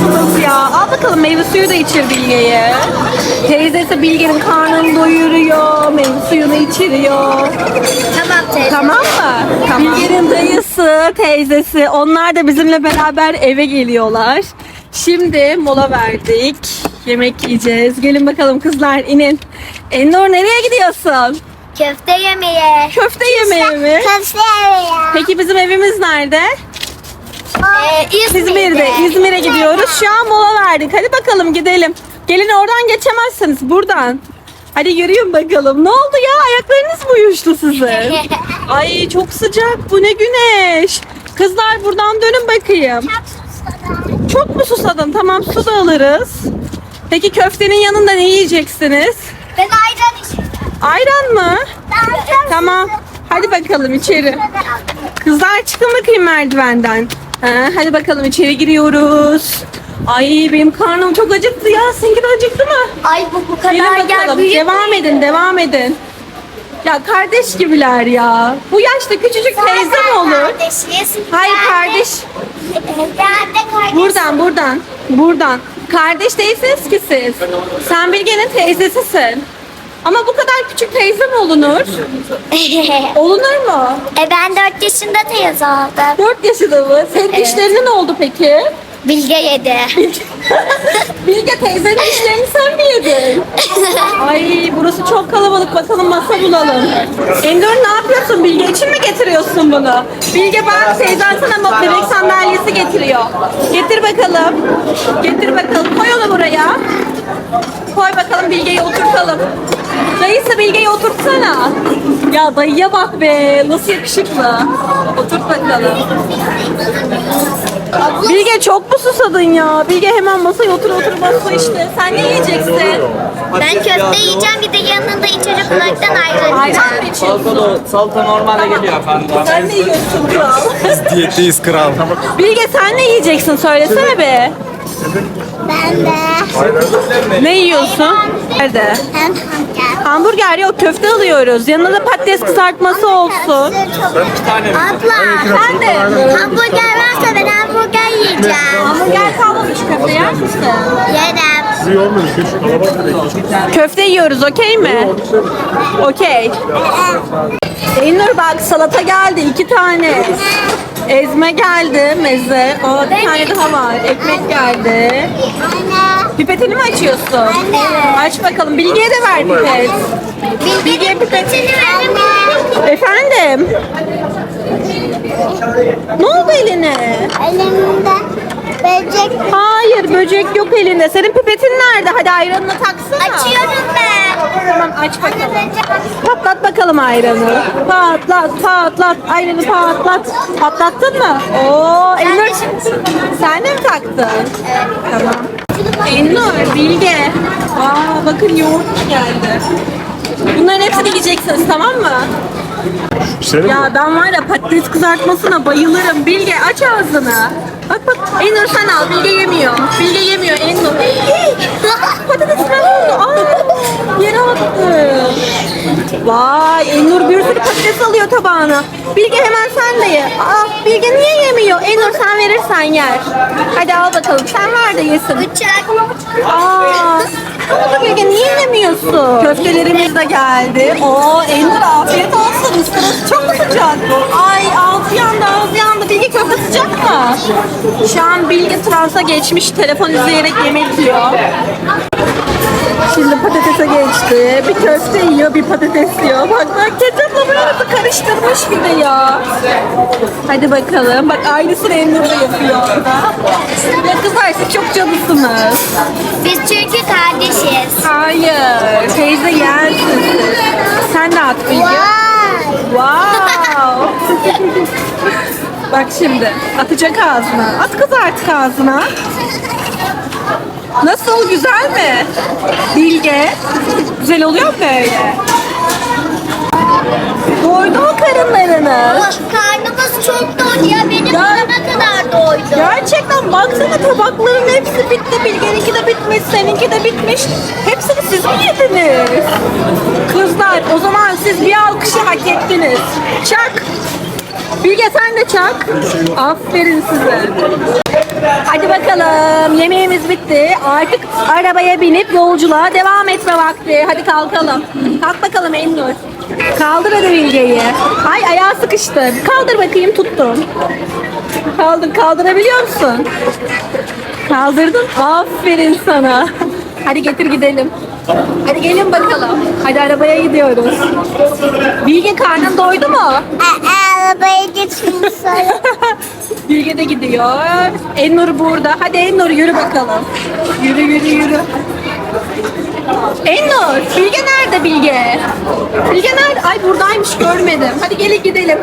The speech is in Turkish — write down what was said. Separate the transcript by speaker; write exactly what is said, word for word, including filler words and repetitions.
Speaker 1: suyumuz ya. Al bakalım meyve suyu da içir Bilge'ye. Teyzesi Bilge'nin karnını doyuruyor. Meyve suyunu içiriyor.
Speaker 2: Tamam teyze.
Speaker 1: Tamam mı? Tamam. Bilge'nin dayısı, teyzesi onlar da bizimle beraber eve geliyorlar. Şimdi mola verdik. Yemek yiyeceğiz. Gelin bakalım kızlar inin. Ennur nereye gidiyorsun?
Speaker 2: Köfte yemeye.
Speaker 1: Köfte yemeye mi?
Speaker 2: Köfte yemeye.
Speaker 1: Peki bizim evimiz nerede?
Speaker 2: Ee,
Speaker 1: İzmir'de. İzmir'e gidiyoruz. Şu an mola verdik. Hadi bakalım gidelim. Gelin oradan geçemezsiniz. Buradan. Hadi yürüyün bakalım. Ne oldu ya? Ayaklarınız mı uyuştu sizin? Ay çok sıcak. Bu ne güneş. Kızlar buradan dönün bakayım. Çok mu susadın? Tamam su da alırız. Peki köftenin yanında ne yiyeceksiniz?
Speaker 2: Ben ayran içeceğim.
Speaker 1: Ayran mı? Tamam. Hadi bakalım içeri. Kızlar çıkın bakayım merdivenden. Ha, hadi bakalım içeri giriyoruz. Ay benim karnım çok acıktı ya. Seninki de acıktı mı?
Speaker 2: Ay bu bu kadar
Speaker 1: Gelin
Speaker 2: yer
Speaker 1: bakalım.
Speaker 2: büyük.
Speaker 1: Devam edin, devam edin. Ya kardeş gibiler ya. Bu yaşta küçücük teyze mi olur?
Speaker 2: Kardeşiz.
Speaker 1: Hayır kardeş.
Speaker 2: Ben de kardeşim.
Speaker 1: Buradan, buradan. Buradan. Kardeş değilsiniz ki siz. Sen Bilge'nin teyzesisin. Ama bu kadar küçük teyze mi olunur? Olunur mu?
Speaker 2: e ben dört yaşında teyze oldum.
Speaker 1: dört yaşında mı? Senin
Speaker 2: Evet.
Speaker 1: dişlerinin ne oldu peki?
Speaker 2: Bilge yedi.
Speaker 1: Bilge teyzenin dişlerini sen mi yedin? Ay burası çok kalabalık. Bakalım masa bulalım. Endor ne yapıyorsun? Bilge için mi getiriyorsun bunu? Bilge bak teyzen sana bebek sandalyesi getiriyor. Getir bakalım. Getir bakalım. Koy onu buraya. Koy bakalım Bilge'yi oturtalım. Dayısı Bilge'yi oturtsana. Ya dayıya bak be. Nasıl yakışıklı. Oturt bakalım. Bilge çok mu susadın ya? Bilge hemen masaya otur otur masa işte. Sen ne yiyeceksin?
Speaker 2: Ben köfte yiyeceğim bir de yanında içecek olaraktan ayran
Speaker 1: Ayran
Speaker 2: yiyeceğim.
Speaker 1: mı içiyorsun?
Speaker 3: Salata, salata normale geliyor efendim.
Speaker 1: Sen ne yiyorsun kral?
Speaker 4: Diyetteyiz kral.
Speaker 1: Bilge sen ne yiyeceksin? Söylesene be.
Speaker 2: Ben de.
Speaker 1: Ne yiyorsun? Nerede?
Speaker 2: Ben hamburger.
Speaker 1: Hamburger yok köfte alıyoruz. Yanına da patates kızartması olsun.
Speaker 2: Abla.
Speaker 1: Sen de.
Speaker 2: Hamburger varsa ben hamburger yiyeceğim.
Speaker 1: Hamburger kalmamış köfte yer misin?
Speaker 2: Yerim.
Speaker 1: Köfte yiyoruz okey mi? Okey. Eynur bak salata geldi iki tane. Ezme geldi meze. O bir tane daha var. Ekmek geldi.
Speaker 2: Anne.
Speaker 1: Pipetini mi açıyorsun?
Speaker 2: Anne.
Speaker 1: Aç bakalım. Bilge'ye de ver pipet. Bilge'ye pipet.
Speaker 2: Anne.
Speaker 1: Efendim? Ne oldu eline?
Speaker 2: Elimde böcek.
Speaker 1: Hayır böcek yok elinde. Senin pipetin nerede? Hadi ayranını taksana.
Speaker 2: Açıyorum ben.
Speaker 1: Tamam aç bakalım. Patlat bakalım ayranı. Patlat patlat. Ayranı patlat. Patlattın mı? Oo Elnur. Sen de mi taktın? Evet. Tamam. Elnur, Bilge. Aa bakın yoğurt geldi. Bunların hepsini yiyeceksiniz tamam mı? Ya ben var ya patates kızartmasına bayılırım. Bilge aç ağzını. Bak bak Elnur sen al. Bilge yemiyor. Bilge yemiyor Elnur. Patates ne oldu? Aa, yere attı. Vay Elnur bir sürü patates alıyor tabağına. Bilge hemen sen de ye. Aa, Bilge niye yemiyor? Elnur sen verirsen yer. Hadi al bakalım. Sen ver de yesin.
Speaker 2: Bıçak.
Speaker 1: Aa, ne oldu Bilge niye yemiyorsun? Köftelerimiz de geldi. Oo Elnur afiyet olsun. Sırası çok mu sıcak? Ay ağzı yandı ağzı yandı. Bilge köfte sıcak mı? Şu an Bilge transa geçmiş. Telefon izleyerek yemek yiyor. Şimdi patatese geçti. Bir köfte yiyor, bir patates yiyor. Bak bak ketçapla böyle karıştırmış bir de ya. Hadi bakalım. Bak aynısını Emre de yapıyor orada. Ya kızlar siz çok canısınız.
Speaker 2: Biz çünkü kardeşiz.
Speaker 1: Hayır. Teyze yersin siz. Sen de at Bilge. Wow. Bak şimdi atacak ağzına. At kız artık ağzına. Nasıl güzel mi? Bilge. Güzel oluyor mu böyle? Doydu mu karınlarınız?
Speaker 2: Karnımız çok doydu ya. Benim
Speaker 1: Ya-
Speaker 2: ne kadar doydu.
Speaker 1: Gerçekten baksana tabakların hepsi bitti. Bilge'ninki de bitmiş, seninki de bitmiş. Hepsini siz mi yediniz? Kızlar o zaman siz bir alkışı hak ettiniz. Çak. Bilge sen de çak. Aferin size. Hadi bakalım. Yemeğimiz bitti. Artık arabaya binip yolculuğa devam etme vakti. Hadi kalkalım. Kalk bakalım Elnur. Kaldır hadi Bilge'yi. Ay ayağı sıkıştı. Kaldır bakayım, tuttum. Kaldır, kaldırabiliyor musun? Kaldırdın. Aferin sana. Hadi getir gidelim. Hadi gelin bakalım. Hadi arabaya gidiyoruz. Bilge karnın doydu mu?
Speaker 2: Arabaya gitsin sonra.
Speaker 1: Bilge de gidiyor. Ennur burada. Hadi Ennur yürü bakalım. Yürü yürü yürü. Ennur, Bilge nerede Bilge? Bilge nerede? Ay buradaymış, görmedim. Hadi gelin gidelim.